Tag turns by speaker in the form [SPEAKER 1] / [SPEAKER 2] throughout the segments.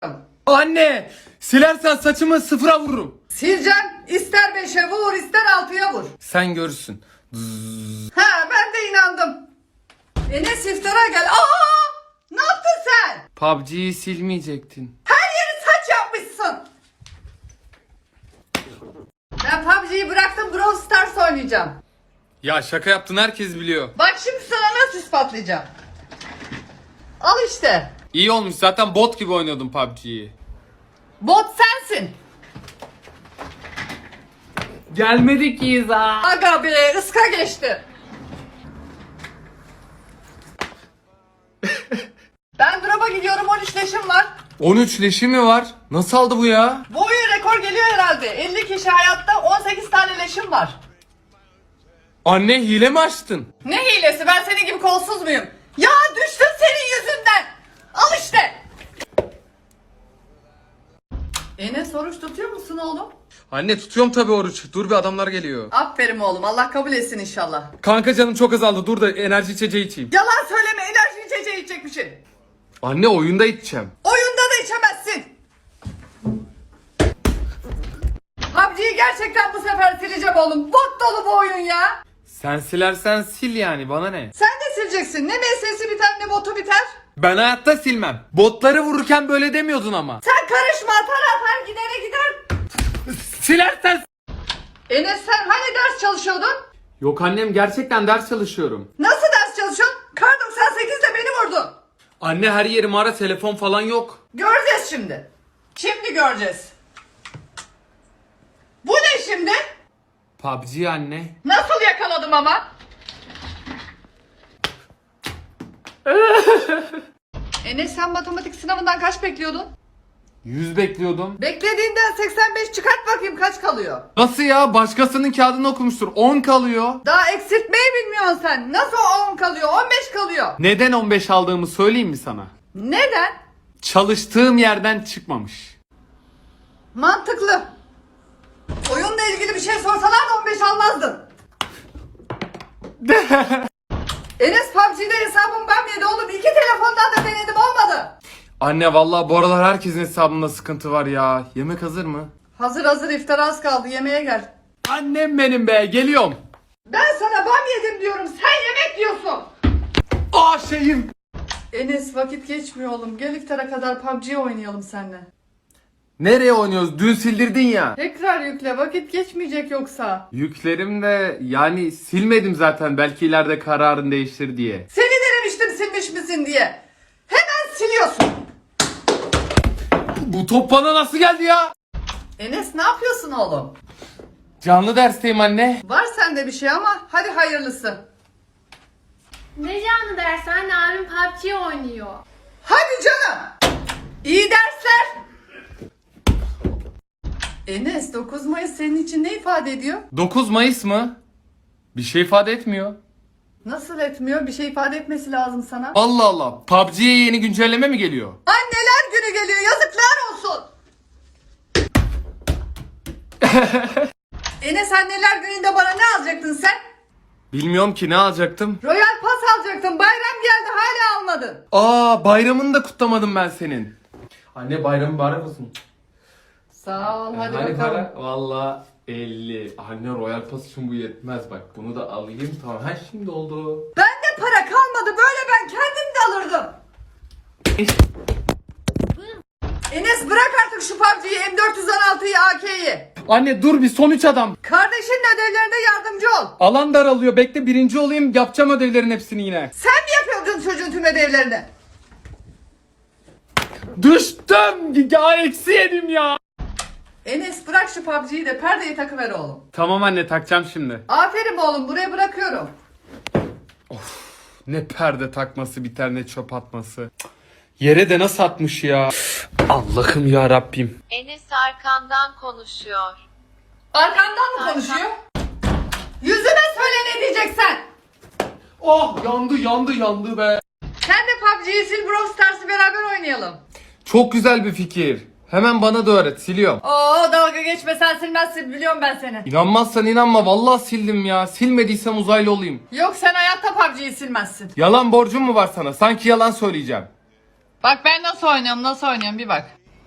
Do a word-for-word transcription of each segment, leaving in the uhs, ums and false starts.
[SPEAKER 1] Anne! Silersen saçımı sıfıra vururum.
[SPEAKER 2] Sileceğim. İster beşe vur, ister altıya vur.
[SPEAKER 1] Sen görürsün.
[SPEAKER 2] Ha, ben de inandım. Enes iftara gel. Aa! Ne yaptın sen?
[SPEAKER 1] P U B G'yi silmeyecektin.
[SPEAKER 2] Her yeri saç yapmışsın. Ben P U B G'yi bıraktım, Brawl Stars oynayacağım.
[SPEAKER 1] Ya şaka yaptın, herkes biliyor.
[SPEAKER 2] Bak şimdi sana nasıl ispatlayacağım. Al işte.
[SPEAKER 1] İyi olmuş, zaten bot gibi oynuyordum P U B G'yi.
[SPEAKER 2] Bot sensin.
[SPEAKER 1] Gelmedik ki ha.
[SPEAKER 2] Aga be, ıska geçti. Ben drop'a gidiyorum, on üç leşim var.
[SPEAKER 1] on üç leşi mi var? Nasıl aldı bu ya?
[SPEAKER 2] Bu oyun rekor geliyor herhalde. elli kişi hayatta, on sekiz tane leşim var.
[SPEAKER 1] Anne, hile mi açtın?
[SPEAKER 2] Ne hilesi, ben senin gibi kolsuz muyum? Ya düştüm senin yüzünden. Al işte. Enes, oruç tutuyor musun oğlum?
[SPEAKER 1] Anne, tutuyorum tabii oruç. Dur bir, adamlar geliyor.
[SPEAKER 2] Aferin oğlum, Allah kabul etsin inşallah.
[SPEAKER 1] Kanka, canım çok azaldı. Dur da enerji içeceği içeyim.
[SPEAKER 2] Yalan söyleme, enerji içeceği içecekmişsin.
[SPEAKER 1] Anne, oyunda içeceğim.
[SPEAKER 2] Oyunda da içemezsin. P U B G'yi gerçekten bu sefer sileceğim oğlum. Bot dolu bu oyun ya.
[SPEAKER 1] Sen silersen sil yani, bana ne?
[SPEAKER 2] Sen de sileceksin. Ne M S'si biter ne botu biter.
[SPEAKER 1] Ben hayatta silmem. Botları vururken böyle demiyordun ama.
[SPEAKER 2] Sen karışma, atar atar gidere gider.
[SPEAKER 1] Silersen...
[SPEAKER 2] Enes, sen hani ders çalışıyordun?
[SPEAKER 1] Yok annem, gerçekten ders çalışıyorum.
[SPEAKER 2] Nasıl ders çalışıyorsun? Kar doksan sekizle beni vurdun.
[SPEAKER 1] Anne, her yerim ara, telefon falan yok.
[SPEAKER 2] Göreceğiz şimdi. Şimdi göreceğiz. Bu ne şimdi?
[SPEAKER 1] P U B G anne.
[SPEAKER 2] Nasıl yakaladım ama? Enes, sen matematik sınavından kaç bekliyordun?
[SPEAKER 1] yüz bekliyordum.
[SPEAKER 2] Beklediğinden seksen beş çıkart bakayım, kaç kalıyor?
[SPEAKER 1] Nasıl ya? Başkasının kağıdını okumuştur. on kalıyor.
[SPEAKER 2] Daha eksiltmeyi bilmiyorsun sen. Nasıl on kalıyor? on beş kalıyor.
[SPEAKER 1] Neden on beş aldığımı söyleyeyim mi sana?
[SPEAKER 2] Neden?
[SPEAKER 1] Çalıştığım yerden çıkmamış.
[SPEAKER 2] Mantıklı. Oyunla ilgili bir şey sorsalar da on beş almazdın. Enes, P U B G'de hesabım ben yedi oğlum. İki telefondan da denedim, olmadı.
[SPEAKER 1] Anne, vallahi bu aralar herkesin hesabında sıkıntı var ya. Yemek hazır mı?
[SPEAKER 2] Hazır hazır, iftar az kaldı, yemeğe gel.
[SPEAKER 1] Annem benim be, geliyorum.
[SPEAKER 2] Ben sana bam yedim diyorum, sen yemek diyorsun.
[SPEAKER 1] Aa şeyim.
[SPEAKER 2] Enes, vakit geçmiyor oğlum. Gel iftara kadar P U B G oynayalım seninle.
[SPEAKER 1] Nereye oynuyoruz? Dün sildirdin ya.
[SPEAKER 2] Tekrar yükle, vakit geçmeyecek yoksa.
[SPEAKER 1] Yüklerim de yani silmedim zaten, belki ileride kararın değiştir diye.
[SPEAKER 2] Seni denemiştim silmiş misin diye. Hemen siliyorsun.
[SPEAKER 1] Bu top bana nasıl geldi ya?
[SPEAKER 2] Enes, ne yapıyorsun oğlum?
[SPEAKER 1] Canlı dersteyim anne.
[SPEAKER 2] Var sende bir şey ama hadi hayırlısı.
[SPEAKER 3] Ne canlı ders anne, abim P U B G oynuyor.
[SPEAKER 2] Hadi canım. İyi dersler. Enes, dokuz Mayıs senin için ne ifade ediyor?
[SPEAKER 1] dokuz Mayıs mı? Bir şey ifade etmiyor.
[SPEAKER 2] Nasıl etmiyor? Bir şey ifade etmesi lazım sana.
[SPEAKER 1] Allah Allah. P U B G'ye yeni güncelleme mi geliyor?
[SPEAKER 2] Anneler günü geliyor, yazıklar olsun. Enes, anneler gününde bana ne alacaktın sen?
[SPEAKER 1] Bilmiyorum ki, ne alacaktım?
[SPEAKER 2] Royal Pass alacaktın. Bayram geldi, hala almadın.
[SPEAKER 1] Aa, bayramını da kutlamadım ben senin. Anne, bayramı mübarek olsun.
[SPEAKER 2] Sağ ol, hadi
[SPEAKER 1] Hani
[SPEAKER 2] bakalım.
[SPEAKER 1] para? Valla elli. Anne, Royal Pass için bu yetmez bak. Bunu da alayım, tamam. Ha, şimdi oldu.
[SPEAKER 2] Bende para kalmadı, böyle ben kendim de alırdım. Enes, bırak artık şu P U B G'yi, M dört yüz on altıyı, A K'yi.
[SPEAKER 1] Anne dur bir, son üç adam.
[SPEAKER 2] Kardeşinin ödevlerine yardımcı ol.
[SPEAKER 1] Alan daralıyor. Bekle, birinci olayım, yapacağım ödevlerin hepsini yine.
[SPEAKER 2] Sen mi yapıyordun çocuğun tüm ödevlerini?
[SPEAKER 1] Düştüm. Ya eksi yedim ya.
[SPEAKER 2] Enes, bırak şu P U B G'yi de perdeyi takıver oğlum.
[SPEAKER 1] Tamam anne, takacağım şimdi.
[SPEAKER 2] Aferin oğlum, buraya bırakıyorum.
[SPEAKER 1] Ne perde takması biter, ne çöp atması. Yere de nasıl atmış ya. Allah'ım ya Rabbim.
[SPEAKER 4] Enes arkandan konuşuyor.
[SPEAKER 2] Arkandan mı konuşuyor? Yüzüme söyle, ne diyeceksen.
[SPEAKER 1] Oh, yandı yandı yandı be.
[SPEAKER 2] Sen de P U B G'yi sil, Brawl Stars'ı beraber oynayalım.
[SPEAKER 1] Çok güzel bir fikir. Hemen bana da öğret, siliyorum.
[SPEAKER 2] Oo, dalga geçme, sen silmezsin, biliyorum ben seni.
[SPEAKER 1] İnanmazsan inanma, vallahi sildim ya. Silmediysem uzaylı olayım.
[SPEAKER 2] Yok, sen hayatta P U B G'yi silmezsin.
[SPEAKER 1] Yalan borcum mu var sana? Sanki yalan söyleyeceğim.
[SPEAKER 2] Bak ben nasıl oynuyorum, nasıl oynuyorum bir bak.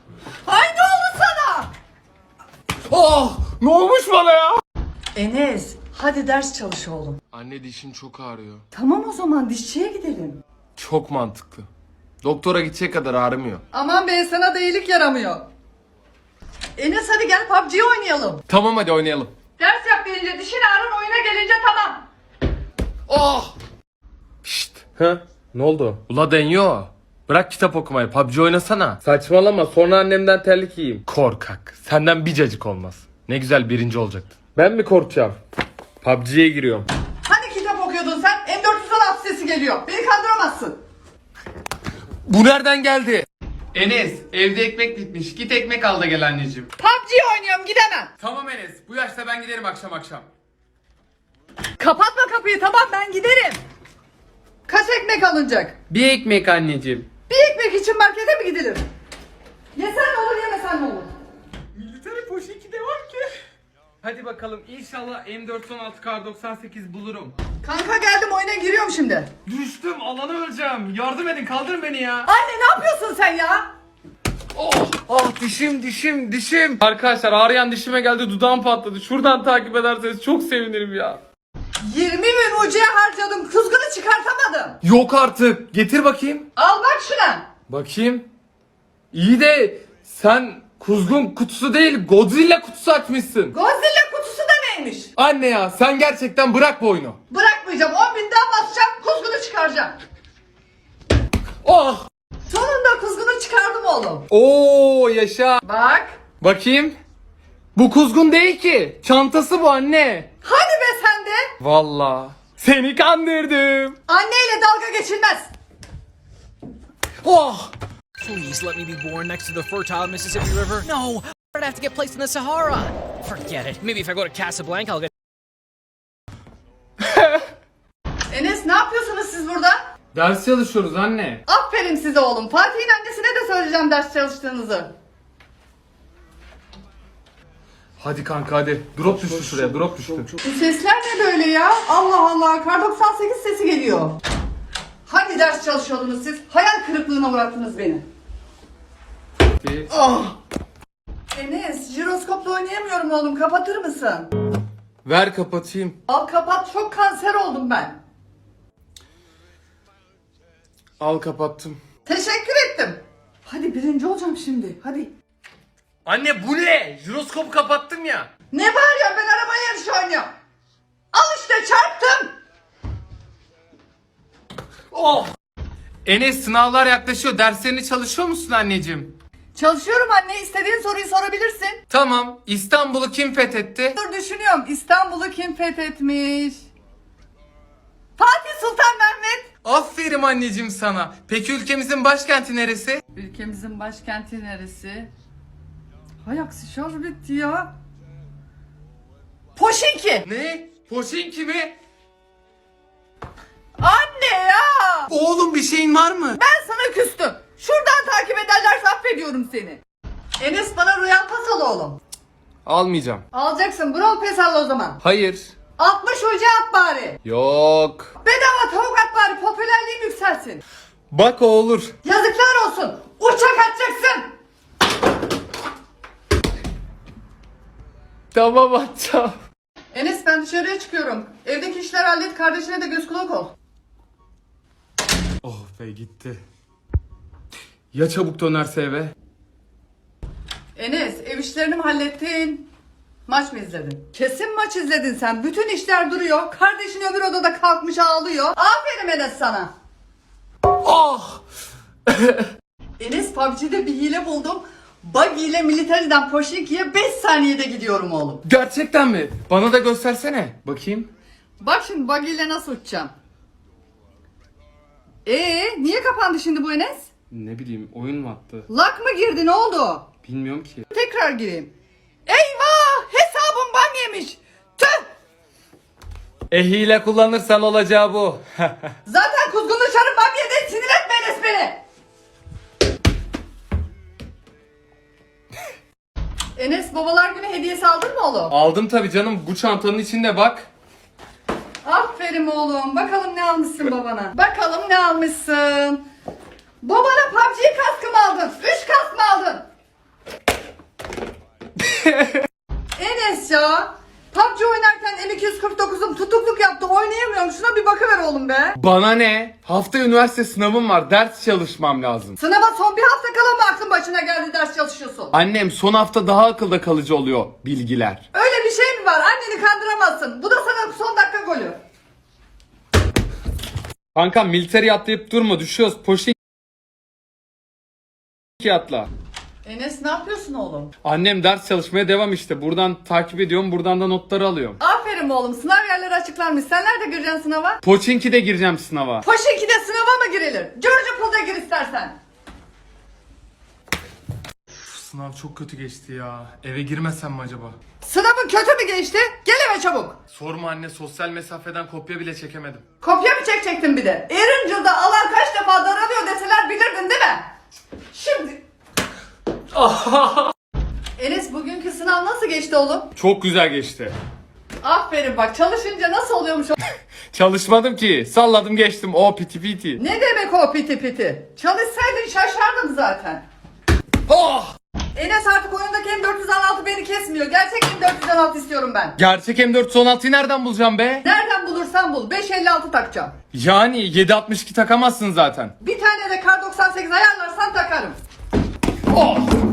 [SPEAKER 2] Ay ne oldu sana?
[SPEAKER 1] Oh! Ne olmuş bana ya?
[SPEAKER 2] Enes hadi ders çalış oğlum.
[SPEAKER 1] Anne dişin çok ağrıyor.
[SPEAKER 2] Tamam o zaman dişçiye gidelim.
[SPEAKER 1] Çok mantıklı. Doktora gidecek kadar ağrımıyor.
[SPEAKER 2] Aman be sana da iyilik yaramıyor. Enes hadi gel P U B G oynayalım.
[SPEAKER 1] Tamam hadi oynayalım.
[SPEAKER 2] Ders yap gelince dişin ağrın oyuna gelince tamam.
[SPEAKER 1] Oh! Şşt. Ha? Ne oldu? Ula Denyo. Bırak kitap okumayı. P U B G oynasana. Saçmalama. Sonra annemden terlik yiyeyim. Korkak. Senden bir cacık olmaz. Ne güzel birinci olacaktın. Ben mi korkacağım? P U B G'ye giriyorum.
[SPEAKER 2] Hani kitap okuyordun sen? M dört yüz on altı sesi geliyor. Beni kandıramazsın.
[SPEAKER 1] Bu nereden geldi? Enes, evde ekmek bitmiş. Git ekmek al da gel anneciğim.
[SPEAKER 2] P U B G oynuyorum gidemem.
[SPEAKER 1] Tamam Enes. Bu yaşta ben giderim akşam akşam.
[SPEAKER 2] Kapatma kapıyı tamam ben giderim. Kaç ekmek alınacak?
[SPEAKER 1] Bir ekmek anneciğim.
[SPEAKER 2] Bir ekmek için markete mi gidilir? Yesen ne olur yemesen ne olur?
[SPEAKER 1] Military poşeti de var ki. Hadi bakalım inşallah M dört on altı Kar doksan sekiz bulurum.
[SPEAKER 2] Kanka geldim oyuna giriyorum şimdi.
[SPEAKER 1] Düştüm, alana öleceğim. Yardım edin, kaldırın beni ya.
[SPEAKER 2] Anne ne yapıyorsun sen ya?
[SPEAKER 1] Oh, oh dişim dişim dişim. Arkadaşlar ağrıyan dişime geldi, dudağım patladı. Şuradan takip ederseniz çok sevinirim ya.
[SPEAKER 2] yirmi bin ucuya harcadım kuzgunu çıkartamadım.
[SPEAKER 1] Yok artık. Getir bakayım.
[SPEAKER 2] Al bak şuna.
[SPEAKER 1] Bakayım. İyi de sen kuzgun kutusu değil Godzilla kutusu açmışsın.
[SPEAKER 2] Godzilla kutusu da neymiş?
[SPEAKER 1] Anne ya sen gerçekten bırak bu oyunu.
[SPEAKER 2] Bırakmayacağım on bin daha basacağım kuzgunu çıkaracağım.
[SPEAKER 1] Oh.
[SPEAKER 2] Sonunda kuzgunu çıkardım oğlum.
[SPEAKER 1] Oo yaşa.
[SPEAKER 2] Bak.
[SPEAKER 1] Bakayım. Bu kuzgun değil ki. Çantası bu anne.
[SPEAKER 2] Hadi be sen de.
[SPEAKER 1] Vallahi. Seni kandırdım.
[SPEAKER 2] Anneyle dalga geçilmez.
[SPEAKER 1] Oh.
[SPEAKER 5] Please let me be born next to the fertile Mississippi River. No, I'd have to get placed in the Sahara. Forget it. Maybe if I go to Casablanca, I'll get.
[SPEAKER 2] Enes ne yapıyorsunuz siz burada?
[SPEAKER 1] Ders çalışıyoruz anne.
[SPEAKER 2] Aferin size oğlum. Fatih'in annesine de söyleyeceğim ders çalıştığınızı.
[SPEAKER 1] Hadi kanka hadi. Drop düştü şuraya, drop düştü.
[SPEAKER 2] Bu sesler ne böyle ya? Allah Allah. Kar doksan sekiz sesi geliyor. Hangi ders çalışıyordunuz siz? Hayal kırıklığına uğrattınız beni. Ah! Enes, jiroskopla oynayamıyorum oğlum. Kapatır mısın?
[SPEAKER 1] Ver kapatayım.
[SPEAKER 2] Al kapat. Çok kanser oldum ben.
[SPEAKER 1] Al kapattım.
[SPEAKER 2] Teşekkür ettim. Hadi birinci olacağım şimdi. Hadi.
[SPEAKER 1] Anne bu ne? Jiroskopu kapattım ya.
[SPEAKER 2] Ne var ya ben araba yarışı oynuyorum. Al işte çarptım.
[SPEAKER 1] Oh. Enes sınavlar yaklaşıyor. Derslerini çalışıyor musun anneciğim?
[SPEAKER 2] Çalışıyorum anne. İstediğin soruyu sorabilirsin.
[SPEAKER 1] Tamam. İstanbul'u kim fethetti?
[SPEAKER 2] Dur düşünüyorum. İstanbul'u kim fethetmiş? Fatih Sultan Mehmet.
[SPEAKER 1] Aferin anneciğim sana. Peki ülkemizin başkenti neresi?
[SPEAKER 2] Ülkemizin başkenti neresi? Hay aksi şarj bitti ya. Poşinki.
[SPEAKER 1] Ne? Poşinki mi?
[SPEAKER 2] Anne ya.
[SPEAKER 1] Oğlum bir şeyin var mı?
[SPEAKER 2] Ben sana küstüm. Şuradan takip ederlerse affediyorum seni. Enes bana Royal Pass al oğlum.
[SPEAKER 1] Almayacağım.
[SPEAKER 2] Alacaksın. Brawl Pass al o zaman.
[SPEAKER 1] Hayır.
[SPEAKER 2] altmış hoca at bari.
[SPEAKER 1] Yok.
[SPEAKER 2] Bedava tavuk at bari. Popülerliğim yükselsin.
[SPEAKER 1] Bak o olur.
[SPEAKER 2] Yazıklar olsun. Uçak atacaksın.
[SPEAKER 1] Tamam atacağım.
[SPEAKER 2] Enes ben dışarıya çıkıyorum. Evdeki işler hallet. Kardeşine de göz kulak ol.
[SPEAKER 1] Oh be gitti. Ya çabuk dönerse eve?
[SPEAKER 2] Enes ev işlerini mi hallettin? Maç mı izledin? Kesin maç izledin sen. Bütün işler duruyor. Kardeşin öbür odada kalkmış ağlıyor. Aferin Enes sana.
[SPEAKER 1] Oh!
[SPEAKER 2] Enes P U B G'de bir hile buldum. Buggy ile Military'den Poşinki'ye beş saniyede gidiyorum oğlum.
[SPEAKER 1] Gerçekten mi? Bana da göstersene. Bakayım.
[SPEAKER 2] Bak şimdi Buggy ile nasıl uçacağım. Ee, niye kapandı şimdi bu Enes?
[SPEAKER 1] Ne bileyim oyun mu attı?
[SPEAKER 2] Lak mı girdi ne oldu?
[SPEAKER 1] Bilmiyorum ki.
[SPEAKER 2] Tekrar gireyim. Eyvah! Hesabım bam yemiş. Tüh!
[SPEAKER 1] E hile kullanırsan olacağı bu.
[SPEAKER 2] Zaten kuzgun dışarı bam yedi. Sinir etme Enes beni. Enes babalar günü hediyesi aldın mı oğlum?
[SPEAKER 1] Aldım tabii canım. Bu çantanın içinde bak.
[SPEAKER 2] Aferin oğlum. Bakalım ne almışsın babana. Bakalım ne almışsın. Babana P U B G kaskı mı aldın? Üç kask mı aldın? ya. P U B G oynarken M iki yüz kırk dokuzum tutukluk yaptı. Oynayamıyorum. Şuna bir bakıver oğlum be.
[SPEAKER 1] Bana ne? Hafta üniversite sınavım var. Ders çalışmam lazım.
[SPEAKER 2] Sınava son bir hafta kala mı aklın başına geldi ders çalışıyorsun?
[SPEAKER 1] Annem son hafta daha akılda kalıcı oluyor bilgiler.
[SPEAKER 2] Öyle bir şey mi var? Anneni kandıramazsın. Bu da sana son dakika golü.
[SPEAKER 1] Kanka militeri atlayıp durma, düşüyoruz. Poşet atla.
[SPEAKER 2] Enes ne yapıyorsun oğlum?
[SPEAKER 1] Annem ders çalışmaya devam işte. Buradan takip ediyorum, buradan da notları alıyorum.
[SPEAKER 2] Aferin oğlum. Sınav yerleri açıklanmış. Sen nerede gireceksin sınava?
[SPEAKER 1] Poçinki'de gireceğim sınava.
[SPEAKER 2] Poşinki'de sınava mı girilir? George Pool'da gir istersen.
[SPEAKER 1] Sınav çok kötü geçti ya. Eve girmesem mi acaba?
[SPEAKER 2] Sınavın kötü mü geçti? Gel eve çabuk.
[SPEAKER 1] Sorma anne, sosyal mesafeden kopya bile çekemedim.
[SPEAKER 2] Kopya mı çekecektin bir de? Erincil'de alan kaç defa daralıyor deseler bilirdin değil mi? Şimdi... Enes bugünkü sınav nasıl geçti oğlum?
[SPEAKER 1] Çok güzel geçti.
[SPEAKER 2] Aferin bak, çalışınca nasıl oluyormuş o...
[SPEAKER 1] Çalışmadım ki. Salladım geçtim. O piti piti.
[SPEAKER 2] Ne demek o piti piti? Çalışsaydın şaşardım zaten.
[SPEAKER 1] Oh!
[SPEAKER 2] Enes artık oyundaki M dört yüz on altı beni kesmiyor. Gerçek M dört yüz on altı istiyorum ben.
[SPEAKER 1] Gerçek M dört yüz on altıyı nereden bulacağım be?
[SPEAKER 2] Nereden bulursan bul. beş elli altı takacağım.
[SPEAKER 1] Yani yedi altmış iki takamazsın zaten.
[SPEAKER 2] Bir tane de kar doksan sekiz ayarlarsan takarım.
[SPEAKER 1] Oh!